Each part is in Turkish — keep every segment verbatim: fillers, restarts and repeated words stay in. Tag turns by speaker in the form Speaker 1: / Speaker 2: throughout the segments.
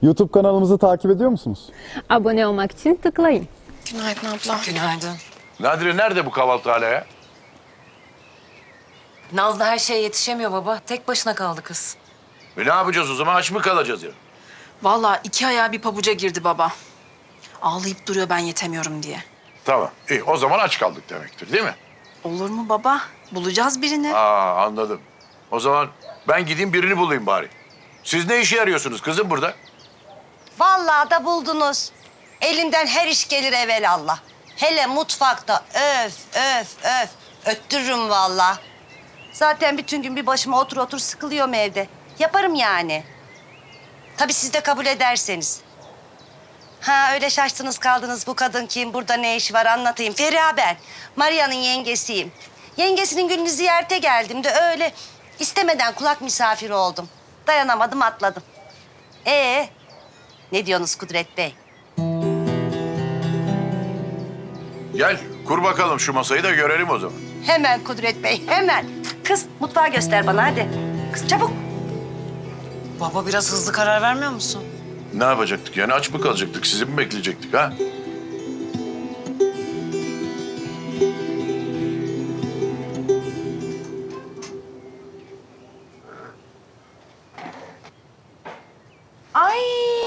Speaker 1: YouTube kanalımızı takip ediyor musunuz?
Speaker 2: Abone olmak için tıklayın.
Speaker 3: Günaydın abla.
Speaker 4: Günaydın.
Speaker 5: Nadire nerede bu kahvaltı hala ya?
Speaker 4: Nazlı her şeye yetişemiyor baba. Tek başına kaldı kız.
Speaker 5: E ne yapacağız o zaman? Aç mı kalacağız ya?
Speaker 3: Vallahi iki ayağı bir pabuca girdi baba. Ağlayıp duruyor ben yetemiyorum diye.
Speaker 5: Tamam. İyi o zaman aç kaldık demektir değil mi?
Speaker 3: Olur mu baba? Bulacağız birini.
Speaker 5: Aa anladım. O zaman ben gideyim birini bulayım bari. Siz ne işe yarıyorsunuz kızım burada?
Speaker 6: Vallahi da buldunuz. Elinden her iş gelir evelallah. Hele mutfakta öf öf öf. Öttürürüm vallahi. Zaten bütün gün bir başıma otur otur sıkılıyorum evde. Yaparım yani. Tabii siz de kabul ederseniz. Ha öyle şaştınız kaldınız, bu kadın kim, burada ne işi var anlatayım. Feriha ben, Maria'nın yengesiyim. Yengesinin gününü ziyarete geldim de öyle istemeden kulak misafiri oldum. Dayanamadım atladım. Ee, ne diyorsunuz Kudret Bey?
Speaker 5: Gel kur bakalım şu masayı da görelim o zaman.
Speaker 6: Hemen Kudret Bey, hemen. Kız mutfağı göster bana hadi. Kız çabuk.
Speaker 4: Baba biraz hızlı karar vermiyor musun?
Speaker 5: Ne yapacaktık yani aç mı kalacaktık? Sizi mi bekleyecektik ha?
Speaker 3: Ay!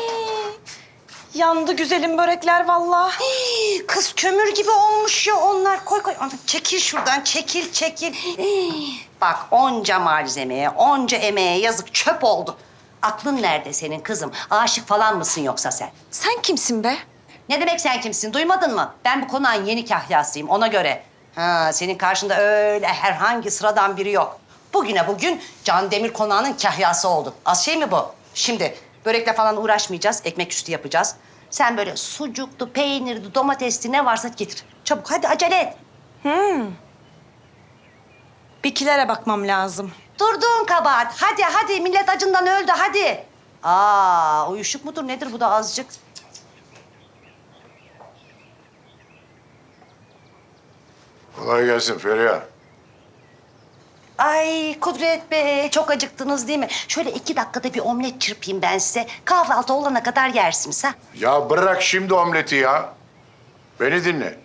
Speaker 3: Yandı güzelim börekler vallahi.
Speaker 6: Hii, kız kömür gibi olmuş ya onlar. Koy koy. Ana, çekil şuradan, çekil çekil. Hii, bak onca malzemeye, onca emeğe yazık çöp oldu. Aklın nerede senin kızım? Aşık falan mısın yoksa sen?
Speaker 3: Sen kimsin be?
Speaker 6: Ne demek sen kimsin? Duymadın mı? Ben bu konağın yeni kahyasıyım ona göre. Ha, senin karşında öyle herhangi sıradan biri yok. Bugüne bugün Can Demir konağının kahyası oldun. Az şey mi bu? Şimdi börekle falan uğraşmayacağız. Ekmek üstü yapacağız. Sen böyle sucuklu, peynirli, domatesli ne varsa getir. Çabuk hadi acele et.
Speaker 3: Bikilere bakmam lazım.
Speaker 6: Durduğun kabahat. Hadi hadi millet acından öldü hadi. Aa uyuşuk mudur nedir bu da azıcık?
Speaker 5: Kolay gelsin Feriha.
Speaker 6: Ay Kudret Bey çok acıktınız değil mi? Şöyle iki dakikada bir omlet çırpayım ben size. Kahvaltı olana kadar yersiniz ha.
Speaker 5: Ya bırak şimdi omleti ya. Beni dinle.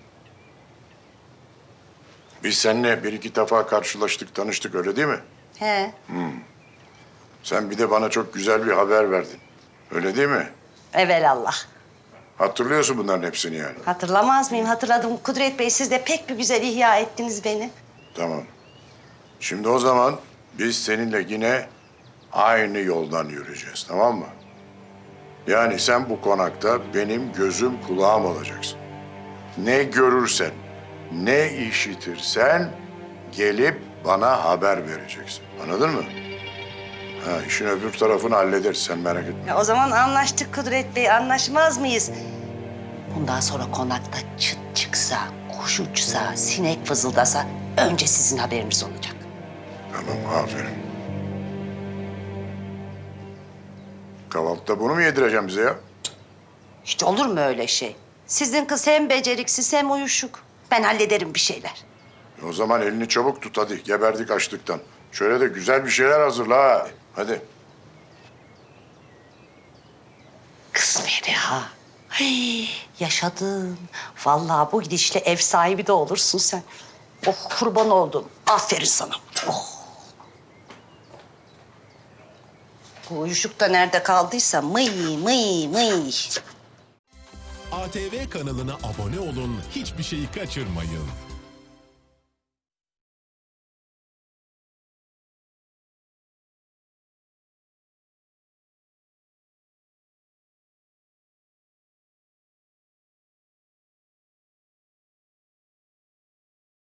Speaker 5: Biz seninle bir iki defa karşılaştık, tanıştık öyle değil mi?
Speaker 6: He.
Speaker 5: Sen bir de bana çok güzel bir haber verdin. Öyle değil mi?
Speaker 6: Evelallah.
Speaker 5: Hatırlıyorsun bunların hepsini yani.
Speaker 6: Hatırlamaz mıyım? Hatırladım. Kudret Bey siz de pek bir güzel ihya ettiniz beni.
Speaker 5: Tamam. Şimdi o zaman biz seninle yine aynı yoldan yürüyeceğiz, tamam mı? Yani sen bu konakta benim gözüm kulağım olacaksın. Ne görürsen, ne işitirsen gelip bana haber vereceksin. Anladın mı? Ha, işin öbür tarafını hallederiz, sen merak etme.
Speaker 6: Ya o zaman anlaştık Kudret Bey. Anlaşmaz mıyız? Bundan sonra konakta çıt çıksa, kuş uçsa, sinek fızıldasa önce sizin haberiniz olacak.
Speaker 5: Tamam, aferin. Kahvaltıda bunu mu yedireceğim bize ya?
Speaker 6: Hiç olur mu öyle şey? Sizin kız hem beceriksiz hem uyuşuk. Ben hallederim bir şeyler.
Speaker 5: E o zaman elini çabuk tut hadi, geberdik açlıktan. Şöyle de güzel bir şeyler hazırla ha. Hadi.
Speaker 6: Kız Feriha. Ay, yaşadın. Vallahi bu gidişle ev sahibi de olursun sen. Oh kurban oldum. Aferin sana. Oh. Bu uyuşuk da nerede kaldıysa mıy mıy mıy.
Speaker 7: A T V kanalına abone olun, hiçbir şeyi kaçırmayın.